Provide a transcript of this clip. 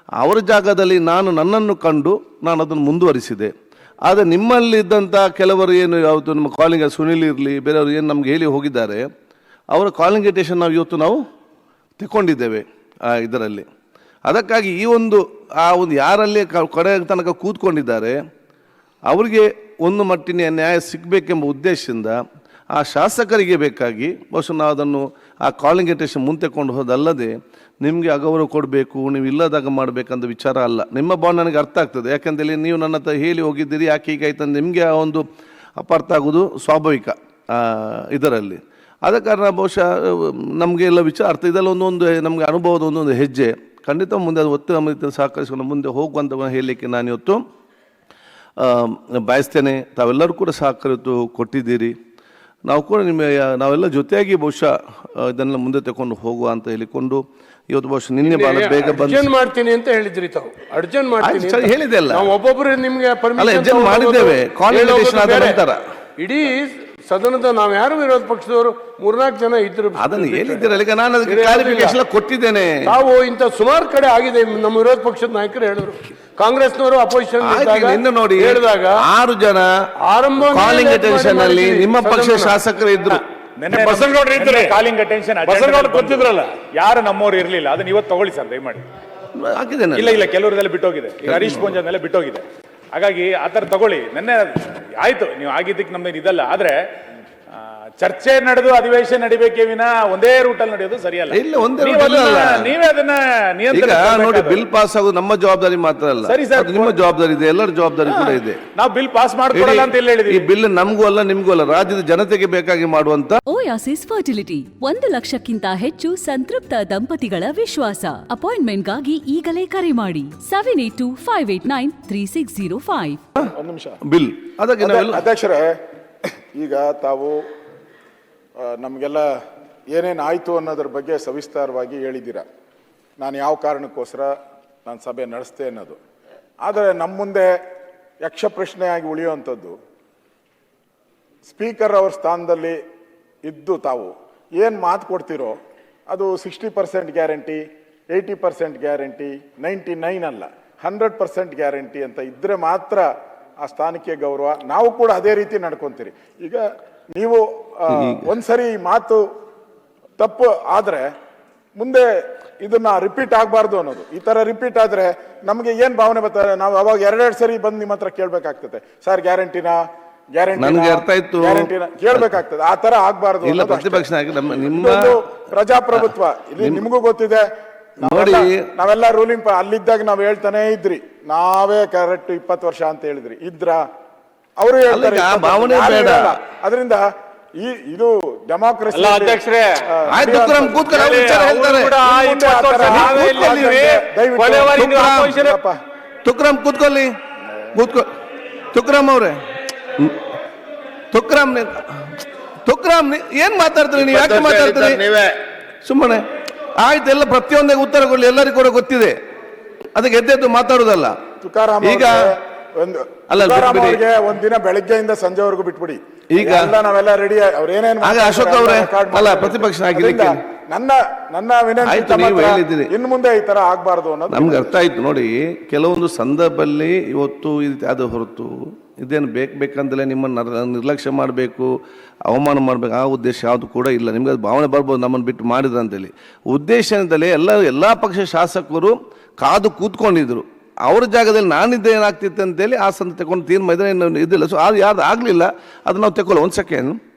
ಅವರ ಜಾಗದಲ್ಲಿ ನನ್ನನ್ನು ಕಂಡು ನಾನು ಅದನ್ನು ಮುಂದುವರಿಸಿದೆ. ಆದರೆ ನಿಮ್ಮಲ್ಲಿದ್ದಂಥ ಕೆಲವರು ಏನು ಯಾವುದು ನಮ್ಮ ಕಾಲಿಂಗ್ ಸುನಿಲ್ ಇರಲಿ ಬೇರೆಯವರು ಏನು ನಮ್ಗೆ ಹೇಳಿ ಹೋಗಿದ್ದಾರೆ, ಅವರ ಕಾಲಿಂಗೇಟೇಷನ್ ನಾವು ತಗೊಂಡಿದ್ದೇವೆ ಇದರಲ್ಲಿ. ಅದಕ್ಕಾಗಿ ಈ ಒಂದು ಯಾರಲ್ಲಿ ಕೊನೆ ತನಕ ಕೂತ್ಕೊಂಡಿದ್ದಾರೆ ಅವರಿಗೆ ಒಂದು ಮಟ್ಟಿನ ನ್ಯಾಯ ಸಿಗಬೇಕೆಂಬ ಉದ್ದೇಶದಿಂದ ಆ ಶಾಸಕರಿಗೆ ಬೇಕಾಗಿ ಬಹುಶಃ ನಾವು ಅದನ್ನು ಆ ಕಾಲಿಂಗೇಟೇಷನ್ ಮುಂತೆಕೊಂಡು ಹೋದಲ್ಲದೆ ನಿಮಗೆ ಅಗೌರವ ಕೊಡಬೇಕು, ನೀವು ಇಲ್ಲದಾಗ ಮಾಡಬೇಕಂತ ವಿಚಾರ ಅಲ್ಲ. ನಿಮ್ಮ ಬಾಂಡ್ ನನಗೆ ಅರ್ಥ ಆಗ್ತದೆ, ಯಾಕೆಂದರೆ ನೀವು ನನ್ನ ಹತ್ರ ಹೇಳಿ ಹೋಗಿದ್ದೀರಿ ಯಾಕೆ ಹೀಗಾಯ್ತು ಅಂತ ನಿಮಗೆ ಆ ಒಂದು ಅಪಾರ್ಥ ಆಗೋದು ಸ್ವಾಭಾವಿಕ ಇದರಲ್ಲಿ. ಆದ ಕಾರಣ ಬಹುಶಃ ನಮಗೆ ಎಲ್ಲ ವಿಚಾರ ಅರ್ಥ, ಇದೆಲ್ಲ ಒಂದೊಂದು ನಮಗೆ ಅನುಭವದ ಒಂದೊಂದು ಹೆಜ್ಜೆ. ಖಂಡಿತ ಮುಂದೆ ಅದು ಒತ್ತು ನಮ್ಮ ಸಹಕರಿಸಿಕೊಂಡು ಮುಂದೆ ಹೋಗುವಂಥ ಹೇಳಲಿಕ್ಕೆ ನಾನು ಇವತ್ತು ಬಯಸ್ತೇನೆ. ತಾವೆಲ್ಲರೂ ಕೂಡ ಸಹಕರಿತು ಕೊಟ್ಟಿದ್ದೀರಿ, ನಾವು ಕೂಡ ನಾವೆಲ್ಲ ಜೊತೆಯಾಗಿ ಬಹುಶಃ ಇದನ್ನೆಲ್ಲ ಮುಂದೆ ತಗೊಂಡು ಹೋಗುವ ಅಂತ ಹೇಳಿಕೊಂಡು ಇವತ್ತು ಬಹುಶಃ ನಿನ್ನೆ ಭಾಳ ಬೇಗ ಬಂದು ಮಾಡ್ತೀನಿ ಅಂತ ಹೇಳಿದ್ರಿ ತಾವು. ಅರ್ಜೆಂಟ್ ಮಾಡ್ತೀನಿ ಹೇಳಿದೆ ಅಲ್ಲ, ಒಬ್ಬೊಬ್ಬರು ನಿಮ್ಗೆ ಪರ್ಮಿಷನ್ ಮಾಡಿದ್ದೇವೆ ಕಾಲಿಂಗೇಟೇಷನ್ ಆದ ನಂತರ. ಇಡೀ ಸದನದ ನಾವು ಯಾರು ವಿರೋಧ ಪಕ್ಷದವರು 3-4 ಜನ ಇದ್ರು, ಅದನ್ನು ಹೇಳಿದ್ದೀರಲ್ಲ. ಈಗ ನಾನು ಅದಕ್ಕೆ ಕ್ಲಾರಿಫಿಕೇಶನ್ ಕೊಟ್ಟಿದ್ದೇನೆ. ತಾವು ಇಂಥ ಸುಮಾರು ಕಡೆ ಆಗಿದೆ, ನಮ್ಮ ವಿರೋಧ ಪಕ್ಷದ ನಾಯಕರು ಹೇಳಿದ್ರು. ಕಾಂಗ್ರೆಸ್ನವರು ಅಪೋಸಿಷನ್ ನೋಡಿ ಹೇಳಿದಾಗ 6 ಜನ ಆರಂಭ ಕಾಲಿಂಗೇಟೇಷನ್ ಅಲ್ಲಿ ನಿಮ್ಮ ಪಕ್ಷದ ಶಾಸಕರು ಇದ್ರು. ಕಾಲಿಂಗ್ ಅಟೆನ್ಷನ್ ಗೊತ್ತಿದ್ರಲ್ಲ, ಯಾರು ನಮ್ಮವ್ರು ಇರ್ಲಿಲ್ಲ. ಅದನ್ನ ಇವತ್ತು ತಗೊಳ್ಳಿ ಸರ್ ದಯಮಾಡಿ. ಇಲ್ಲ ಕೆಲವರದೆಲ್ಲ ಬಿಟ್ಟೋಗಿದೆ, ಈಗ ಹರೀಶ್ ಪೂಂಜನೆಲ್ಲ ಬಿಟ್ಟೋಗಿದೆ. ಹಾಗಾಗಿ ಆ ಥರ ತಗೊಳ್ಳಿ. ನೆನ್ನೆ ಆಯ್ತು, ನೀವು ಆಗಿದ್ದಕ್ಕೆ ನಮ್ದೇನು ಇದಲ್ಲ. ಆದ್ರೆ ಚರ್ಚೆ ನಡೆದು ಅಧಿವೇಶನ ನಡಿಬೇಕೇ ವಿನ ಒಂದೇ ರೂಟಲ್ಲಿ ನಡೆಯೋದು ಸರಿಯಲ್ಲ. ನೀವೇ ಅದನ್ನ ನೋಡಿ, ಬಿಲ್ ಪಾಸ್ ಆಗೋದು ನಮ್ಮ ಜವಾಬ್ದಾರಿ ಮಾತ್ರ ಅಲ್ಲ, ಸರಿ ಸರ್, ನಿಮ್ಮ ಜವಾಬ್ದಾರಿ ಇದೆ, ಎಲ್ಲರ ಜವಾಬ್ದಾರಿ ಕೂಡ ಇದೆ. ನಾವು ಬಿಲ್ ಪಾಸ್ ಮಾಡ್ಕೊಡಲ್ಲ ಅಂತ ಹೇಳಿದ್ವಿ. ಈ ಬಿಲ್ ನಮಗೂ ಅಲ್ಲ ನಿಮಗೂ ಅಲ್ಲ, ರಾಜ್ಯದ ಜನತೆಗೆ ಬೇಕಾಗಿ ಮಾಡುವಂತ. ಓಯಾಸಿಸ್ ಫರ್ಟಿಲಿಟಿ 1 ಲಕ್ಷಕ್ಕಿಂತ ಹೆಚ್ಚು ಸಂತೃಪ್ತ ದಂಪತಿಗಳ ವಿಶ್ವಾಸ. ಅಪಾಯಿಂಟ್ಮೆಂಟ್ಗಾಗಿ ಈಗಲೇ ಕರೆ ಮಾಡಿ 7825893605. ಬಿಲ್ ಅದಕ್ಕೆ ಅಧ್ಯಕ್ಷರೇ, ಈಗ ತಾವು ನಮಗೆಲ್ಲ ಏನೇನು ಆಯಿತು ಅನ್ನೋದ್ರ ಬಗ್ಗೆ ಸವಿಸ್ತಾರವಾಗಿ ಹೇಳಿದ್ದೀರಾ. ನಾನು ಯಾವ ಕಾರಣಕ್ಕೋಸ್ಕರ ನಾನು ಸಭೆ ನಡೆಸ್ತೆ ಅನ್ನೋದು. ಆದರೆ ನಮ್ಮ ಮುಂದೆ ಯಕ್ಷ ಪ್ರಶ್ನೆಯಾಗಿ ಉಳಿಯುವಂಥದ್ದು, ಸ್ಪೀಕರ್ ಅವ್ರ ಸ್ಥಾನದಲ್ಲಿ ಇದ್ದು ತಾವು ಏನು ಮಾತು ಕೊಡ್ತಿರೋ ಅದು 60% ಗ್ಯಾರಂಟಿ, 80% ಗ್ಯಾರಂಟಿ, 99 ಅಲ್ಲ 100% ಗ್ಯಾರಂಟಿ ಅಂತ ಇದ್ದರೆ ಮಾತ್ರ ಆ ಸ್ಥಾನಕ್ಕೆ ಗೌರವ. ನಾವು ಕೂಡ ಅದೇ ರೀತಿ ನಡ್ಕೊಂತೀರಿ. ಈಗ ನೀವು ಒಂದ್ಸರಿ ಮಾತು ತಪ್ಪು ಆದ್ರೆ ಮುಂದೆ ಇದನ್ನ ರಿಪೀಟ್ ಆಗಬಾರ್ದು ಅನ್ನೋದು. ಈ ತರ ರಿಪೀಟ್ ಆದ್ರೆ ನಮಗೆ ಏನ್ ಭಾವನೆ ಬರ್ತಾರೆ, ನಾವು ಅವಾಗ 2 ಸರಿ ಬಂದು ನಿಮ್ಮ ಹತ್ರ ಕೇಳ್ಬೇಕಾಗ್ತದೆ, ಸರ್ ಗ್ಯಾರಂಟಿನಾ ಗ್ಯಾರಂಟಿನ ಕೇಳ್ಬೇಕಾಗ್ತದೆ. ಆ ತರ ಆಗ್ಬಾರ್ದು. ಪ್ರಜಾಪ್ರಭುತ್ವ ಇಲ್ಲಿ ನಿಮಗೂ ಗೊತ್ತಿದೆ. ನಾವೆಲ್ಲ ರೂಲಿಂಗ್ ಅಲ್ಲಿದ್ದಾಗ ನಾವ್ ಹೇಳ್ತಾನೆ ಇದ್ರಿ, ನಾವೇ ಕರೆಕ್ಟ್ 20 ವರ್ಷ ಅಂತ ಹೇಳಿದ್ರಿ ಇದ್ರ, ಅವರು ಹೇಳ್ತಾರೆ ಭಾವನೆ ಬೇಡ. ಅದರಿಂದ ಇದು ಡೆಮಾಕ್ರಸಿ. ತುಕ್ರಾಮ್ ಕೂತ್ಕೊಳ್ಳಿ, ತುಕ್ರಾಮ್ ಅವ್ರೆ, ತುಕ್ರಾಮ್ ಏನ್ ಮಾತಾಡ್ತೀರಿ ನೀವು? ಯಾಕೆ ಮಾತಾಡ್ತೀರಿ ಸುಮ್ಮನೆ? ಆಯ್ತು, ಎಲ್ಲ ಪ್ರತಿಯೊಂದೇ ಉತ್ತರ ಕೊಡ್ಲಿ, ಎಲ್ಲರಿಗೂ ಕೂಡ ಗೊತ್ತಿದೆ. ಅದಕ್ಕೆ ಎದ್ದೆದ್ದು ಮಾತಾಡುದಲ್ಲ. ಈಗ ಒಂದಿನ ಬೆಳಗ್ಗೆಯಿಂದ ಸಂಜೆವರೆಗೂ ಬಿಟ್ಬಿಡಿ. ಈಗ ನಾವೆಲ್ಲ ರೆಡಿ. ಅವ್ರೇನೇನು ಅಶೋಕ್ ಅವರೇ ಅಲ್ಲ ಪ್ರತಿಪಕ್ಷ ನಾಯಕರಿಗೆ ನನ್ನ ವಿನಂತಿ, ಇನ್ನು ಮುಂದೆ ಈ ತರ ಆಗ್ಬಾರ್ದು ಅನ್ನೋದು ನಮ್ಗೆ ಅರ್ಥ ಆಯ್ತು. ನೋಡಿ, ಕೆಲವೊಂದು ಸಂದರ್ಭದಲ್ಲಿ ಇವತ್ತು ಅದು ಹೊರತು ಇದೇನು ಬೇಕಂತಲೇ ನಿಮ್ಮನ್ನು ನಿರ್ಲಕ್ಷ್ಯ ಮಾಡಬೇಕು, ಅವಮಾನ ಮಾಡಬೇಕು ಆ ಉದ್ದೇಶ ಯಾವುದು ಕೂಡ ಇಲ್ಲ. ನಿಮ್ಗೆ ಅದು ಭಾವನೆ ಬರ್ಬೋದು ನಮ್ಮನ್ನು ಬಿಟ್ಟು ಮಾಡಿದ್ರು ಅಂತೇಳಿ. ಉದ್ದೇಶದಲ್ಲಿ ಎಲ್ಲ ಪಕ್ಷ ಶಾಸಕರು ಕಾದು ಕೂತ್ಕೊಂಡಿದ್ರು. ಅವ್ರ ಜಾಗದಲ್ಲಿ ನಾನಿದ್ದೆ ಏನಾಗ್ತಿತ್ತು ಅಂತೇಳಿ ಆ ಸಂದ ತಗೊಂಡು ತೀರ್ಮಾನ ಇದಿಲ್ಲ. ಸೊ ಅದು ಯಾರ್ದು ಆಗಲಿಲ್ಲ, ಅದು ನಾವು ತಗೊಳ್ಳ. 1 ಸೆಕೆಂಡ್.